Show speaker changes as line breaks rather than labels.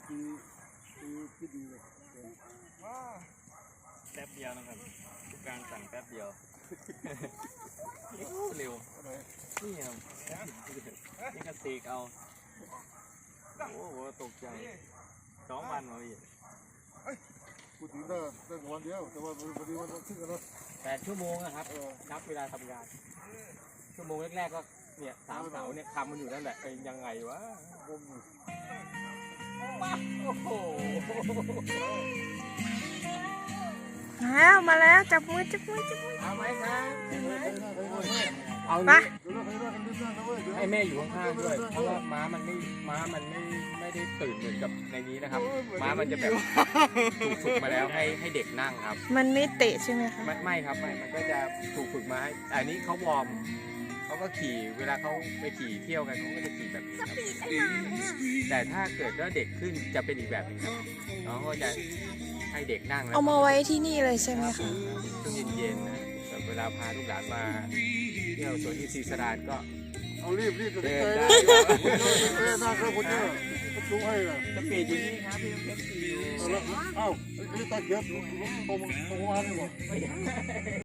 ที่ดีเลย
แป๊บเดียวนะครับทุกการสั่งแป๊บเดียวเร็วนี่ครับนี่ก็ตีกเอาโอ้โหตกใจ2 วันมาพี่
พูดถึงได้วันเดียวแต่ว่าพอดีมันขึ้นกันแล้ว
8 ชั่วโมงนะครับนับเวลาทำงานชั่วโมงแรกๆก็เนี่ย3 เสาเนี่ยคำมันอยู่นั่นแหละเป็นยังไงวะโอ้โห
มาแล้วจับมือ
เอาไหมครับเอา
ไป
ให้แม่อยู่ข้างๆด้วยเพราะว่าม้ามันไม่ได้ตื่นเหมือนกับในนี้นะครับม้ามันจะแบบถูกฝึกมาแล้วให้เด็กนั่งครับ
มันไม่เตะใช่ไหมคะ
ไม่ครับไม่มันก็จะถูกฝึกมาให้อันนี้เขาวอร์มเขาก็ขี่เวลาเขาไปขี่เที่ยวกันเขาก็จะขี่แบบนี้ครับแต่ถ้าเกิดว่าเด็กขึ้นจะเป็นอีกแบบนึงครับน้องก็จะให้เด็กนั่ง
เอามาไว้ที่นี่เลยใช่ไหมคะ
ช่วงเย็นๆนะเวลาพาลูกหลานมาเที่ยวสวนอินทรีย์สรานก็
เอารีบ
เดินได้
น่าครับคุณเจ้าดูให้ล่ะ
สปีดอยู่นี่ครับพี่เพชรขี่อยู่
เอ้าไอ้ตาเกียบตรงมาเนี่ยบอก